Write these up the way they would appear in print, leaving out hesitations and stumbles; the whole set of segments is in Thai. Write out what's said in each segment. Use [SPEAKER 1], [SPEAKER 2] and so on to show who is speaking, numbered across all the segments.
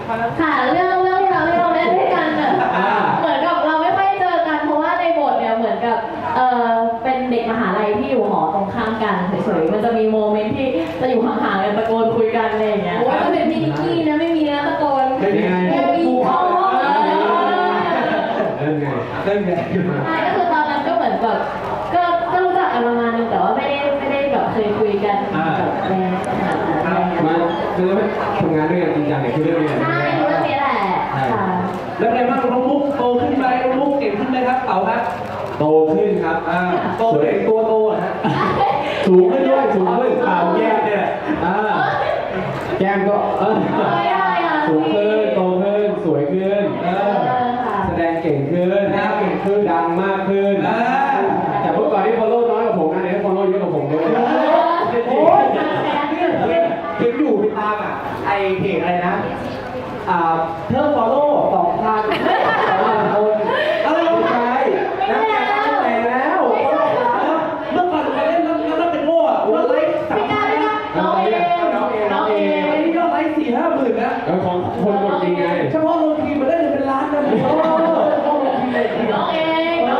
[SPEAKER 1] ค่ะเรื่องที่เราเล่นด้วยกันเนี่ยเหมือนกับเราไม่ค่อยเจอกันเพราะว่าในบทเนี่ยเหมือนกับเป็นเด็กมหาลัยที่อยู่หอตรงข้ามกันเฉยๆมันจะมีโมเมนต์ที่จะอยู่ห่างๆกันตะโกนคุยกันอะไรอย่างเงี้ยว่าเป็นพี่นิกกี้นะไม่มีนะตะโกนไม่มีท้อง
[SPEAKER 2] เล่นไงใช่
[SPEAKER 1] ก็คือตอนนั้นก็เหมือนแบบก็รู้จักกันประมาณนึงแต่ว่าไม่ได้แบบเคยคุยกันแบบใน
[SPEAKER 2] มาคือทำงานด้วยกันจริงจังเนี่ยคือเรื่องนี้
[SPEAKER 1] ใช่เรื่องนี้แหละค่ะ
[SPEAKER 3] แล้วไงบ้างน้องมุกโตขึ้นไหมน้องมุกเก่งขึ้นไหมครับเต๋าครับ
[SPEAKER 2] โตขึ้นครับ
[SPEAKER 3] โตเองตัวโตอ่ะฮะ
[SPEAKER 2] สูงขึ้นด้วยสูงขึ้นเปล่าแก้มเนี่ยแก้มก็สูงขึ้นโตขึ้นสวยขึ้นแสดงเก่งขึ้นเก่งขึ้นดังมากขึ้นแต่เมื่อก่อนที่ฟอลโล่น้อยกว่าผมนะเนี่ยฟอลโล่เยอะกว่าผมด้วย
[SPEAKER 3] โอ้ยเห็นอยู่ติดตามอ่ะไอเพจอะไรนะเพิ่มฟอลโล่2,000คนอะไรไม่ใช่นักแข่งแต่แล้วเมื่อก่อนไปเล่นแล้วเป็นโง่อะวันไลฟ์3,000
[SPEAKER 1] น้องเอง
[SPEAKER 3] อันนี้ยอดไลฟ์4-5หมื่นนะ
[SPEAKER 2] ของคนกดจริงไง
[SPEAKER 3] เฉพาะโรงทีมมาได้เป็นล้านนะ
[SPEAKER 1] น้องเอง
[SPEAKER 3] นะครับ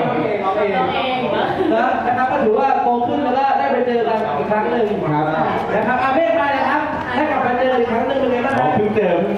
[SPEAKER 3] ก็ถือว่าโตขึ้นแล้วก็ได้ไปเจอกันอีกครั้งหนึ่งนะครับอาเมฆมาเลยครับได้กลับมาเจออีกครั้งหนึ่งเป็นไงบ้างครับ
[SPEAKER 2] เพิ่งเจอ